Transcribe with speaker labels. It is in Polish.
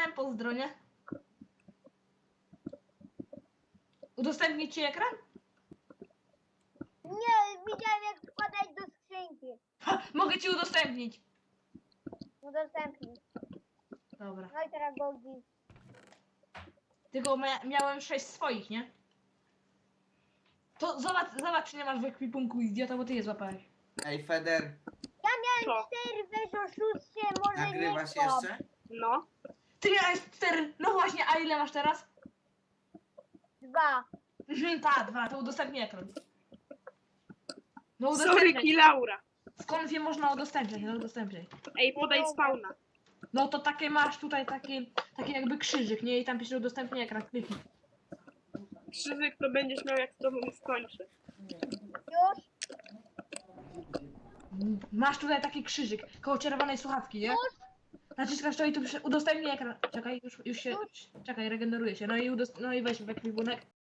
Speaker 1: napisałem pozdro, nie? Udostępnić ci ekran?
Speaker 2: Nie, widziałem jak wkładać do skrzynki.
Speaker 1: Ha, mogę ci udostępnić.
Speaker 2: Udostępnij.
Speaker 1: Dobra.
Speaker 2: No i teraz Goldi.
Speaker 1: Tylko miałem 6 swoich, nie? To zobacz, czy nie masz w ekwipunku idiota, bo ty je złapałeś.
Speaker 3: Ej, Feder,
Speaker 2: Ja miałem
Speaker 4: Co?
Speaker 2: 4, weź oszustie, może nie
Speaker 3: nagrywasz
Speaker 2: kłam.
Speaker 3: jeszcze?
Speaker 4: No.
Speaker 1: Ty miałeś 4. No właśnie, a ile masz teraz?
Speaker 2: 2.
Speaker 1: Ta, 2, to udostępnij ekran. No
Speaker 4: Sorry,
Speaker 1: udostępniaj.
Speaker 4: Kilaura.
Speaker 1: Skąd wie można udostępniać? No udostępniaj.
Speaker 4: Ej, podaj spawna.
Speaker 1: No to takie masz tutaj taki jakby krzyżyk, nie? I tam pisze udostępnij ekran, kliknij.
Speaker 4: Krzyżyk to będziesz miał jak z tobą skończę.
Speaker 2: Już?
Speaker 1: Masz tutaj taki krzyżyk koło czerwonej słuchawki, nie? Naciskasz to i tu pisze udostępnij ekran. Czekaj, już się. Czekaj, regeneruje się. No i weź w ekwipunek.